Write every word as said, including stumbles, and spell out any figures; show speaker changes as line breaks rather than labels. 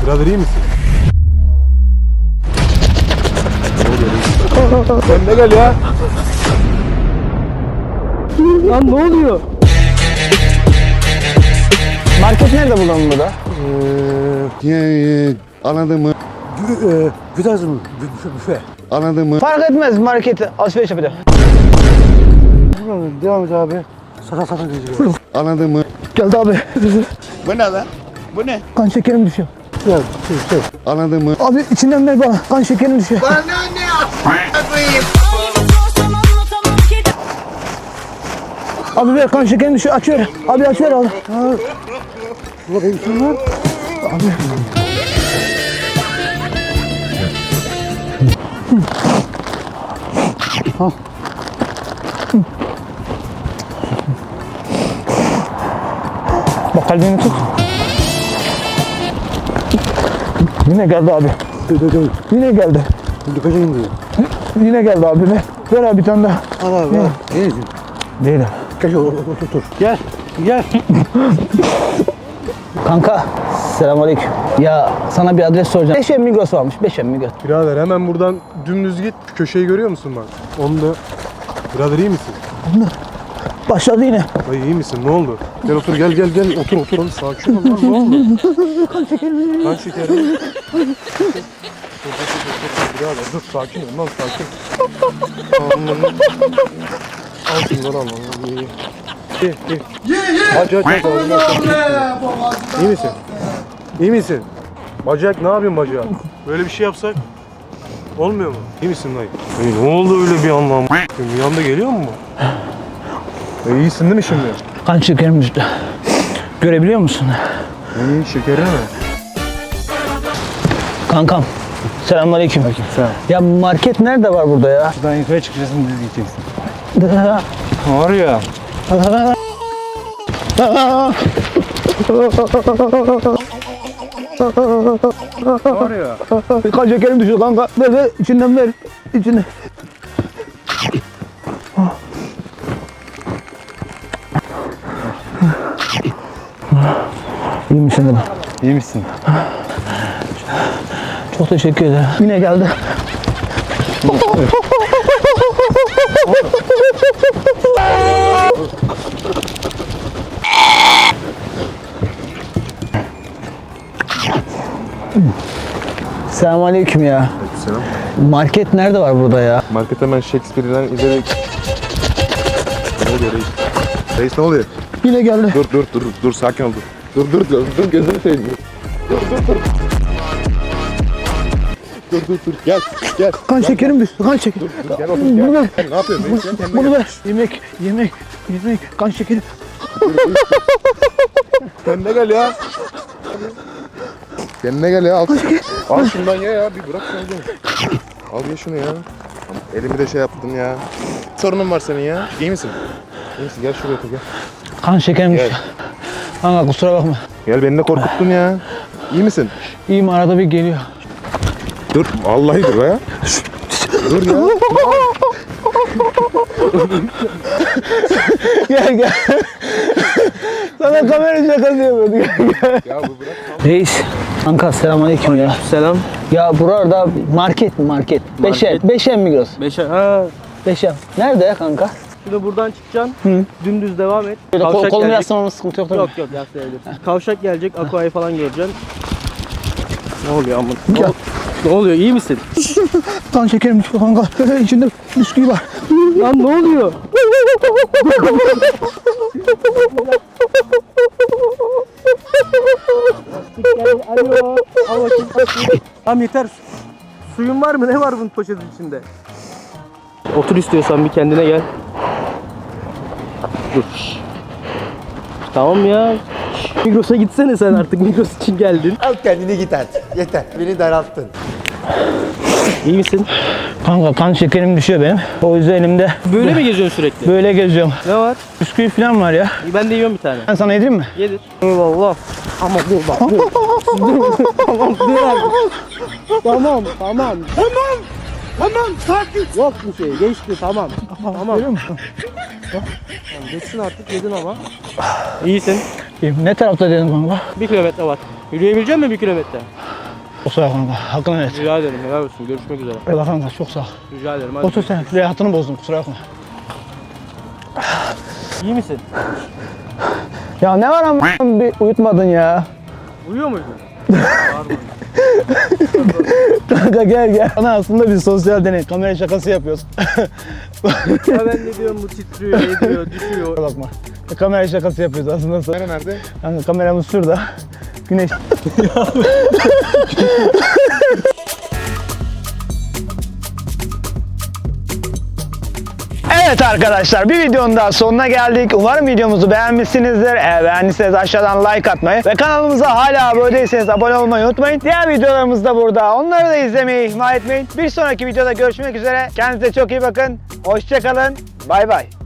Birader iyi misin? Sen de gel ya.
Lan ne oluyor? Market nerede bulalım burada?
Eee anladın mı?
Güzel mı? Büfe.
Anladın mı?
Fark etmez, markete alışveriş yapacağım.
Devam et abi. Sata sata geziyor.
Anladın mı?
Geldi abi.
Bu ne lan? Bu ne?
Kan şekerim düşüyor.
Gel, şey, şey.
Anladın mı?
Abi içinden ver bana. Kan şekerim düşüyor.
Bana ne yapayım?
Abi ver, kan şekerim düşüyor. Aç ver. Abi aç ver abi.
Burada benim için var.
Abi.
Ha.
Bak kalbini tut. Yine geldi abi.
Dur dur dur.
Yine geldi.
Dökeceğim diyor.
Yine geldi abi. Ver, ver abi bir tane daha.
Al abi al. Neyse.
Değil abi.
Gel otur otur otur. Gel. Gel.
Kanka. Selamünaleyküm. Ya sana bir adres soracağım. Beşem Migros varmış. Beşem Migros.
Birader hemen buradan dümdüz git. Şu köşeyi görüyor musun bak? Onu da. Birader iyi misin?
Başladı yine.
Dayı iyi misin? Ne oldu? Gel otur gel gel gel. Otur otur. Oğlum sakin ol lan. Ne oldu?
Kan şekerim.
Kan şekeri. Dur dur dur dur dur. Birader dur sakin ol lan sakin. Allah'ım. Al şunları al. İyi iyi. İyi iyi. Aç aç aç. İyi misin? İyi misin? Bacak ne yapıyorsun bacak? Böyle bir şey yapsak olmuyor mu? İyi misin dayı? Dayı ne oldu öyle bir anlam? Bir anda geliyor mu bu? E, iyisin değil mi şimdi?
Kan şekerim düştü. Görebiliyor musun?
İyi şekeri mi?
Kankam. Selamünaleyküm.
Sen.
Ya market nerede var burada ya?
Şuradan yukarı çıkacaksın düz gideceksin. Var ya. Var ya.
Kan şekerim düşüyor kanka. Ver ver içinden ver. İçine. İyi misin dedim.
İyi misin?
Çok teşekkür ederim. Yine geldi. Selamünaleyküm ya.
Selam.
Market nerede var burada ya?
Market hemen Shakespeare'den izledik. Ne oluyor reis? Reis ne oluyor?
Yine geldi.
Dur dur dur dur sakin ol dur. Dur dur dur dur gözünü seveyim. Dur dur dur. Dur dur dur gel gel.
Kan şekerim düştü. Kan şekerim.
Gel otur
Bunu
gel.
ver.
Ne yapıyorsun reis? Gel kendine
Bunu
gel.
ver. Yemek, yemek, yemek. Kan şekerim.
Kendine gel ya. Kendine gel ya al. Al şundan ye ya bir bırak şunu. Al ye şunu ya. Elimi de şey yaptın ya. Sorunun var senin ya. İyi misin? İyi misin? Gel şuraya otur gel.
Kan şekerim
Gel.
düştü. Kanka kusura bakma.
Gel beni de korkuttun ya. İyi misin?
İyiyim, arada bir geliyor.
Dur. Vallahi dur ya. Dur ya.
Gel gel. Sana kamera şakası yapıyordu. Gel gel.
Ya bu bırak.
Reis. Kanka selamünaleyküm ya.
Selam.
Ya burada market mi market? Beşem, Beşem Migros.
Beşer. Ha.
Beşem. Nerede ya kanka?
Şimdi buradan çıkacaksın.
Hı.
Dümdüz devam et.
Böyle kol,
Kavşak
kolumu
gelecek.
yaslamamız sıkıntı yok değil mi?
Yok yok yaslayabilirsin. Kavşak gelecek. Aqua'yı falan göreceksin. Ne oluyor amına?
Ya.
Ne oluyor? İyi misin?
Kan şekerim düştü kanka. İçinde bisküvi var.
Lan ne oluyor? Alo. Al bakayım. Tamam yeter. Suyun var mı? Ne var bunun poşetin içinde? Otur istiyorsan bir kendine gel. Dur. Tamam ya. Migros'a gitsene sen artık. Migros için geldin.
Al kendini git artık. Yeter. Beni daralttın.
İyi misin?
Kanka kan şekerim düşüyor benim. O yüzden elimde
Böyle mi geziyorsun sürekli?
böyle geziyorum.
Ne var?
Bisküvi falan var ya.
Ben de yiyorum bir tane.
Ben sana yedireyim mi?
Yedir. Eyvallah. Ama dur bak dur. Dur. Tamam dur abi. Tamam tamam. Tamam. Tamam sakin. Yok bir şey geçti tamam. Tamam.
Görüyor musun?
Tamam, geçsin artık yedin ama. İyisin.
İyiyim. Ne tarafta dedim kanka?
Bir kilometre var. Yürüyebilecek misin bir kilometre?
Kusura bakma kanka. Hakkını ver.
Rica ederim. Helal olsun. Görüşmek üzere.
Eyvallah kanka çok sağ ol.
Rica ederim. Hadi.
Otur sen. Rahatını bozdum kusura bakma.
İyi misin?
Ya ne var ama bir uyutmadın ya.
Uyuyor muydun?
Kanka gel gel. Ana aslında bir sosyal deney. Kamera şakası yapıyoruz.
Ya ben de diyorum bu titriyor, ediyor, düşüyor.
Bakma. Kamera şakası yapıyoruz aslında.
Kamera nerede?
Kanka kameramız şurada. Güneş. Evet arkadaşlar bir videonun daha sonuna geldik. Umarım videomuzu beğenmişsinizdir. Eğer beğendiyseniz aşağıdan like atmayı ve kanalımıza hala abone değilseniz abone olmayı unutmayın. Diğer videolarımız da burada. Onları da izlemeyi ihmal etmeyin. Bir sonraki videoda görüşmek üzere. Kendinize çok iyi bakın. Hoşça kalın. Bay bay.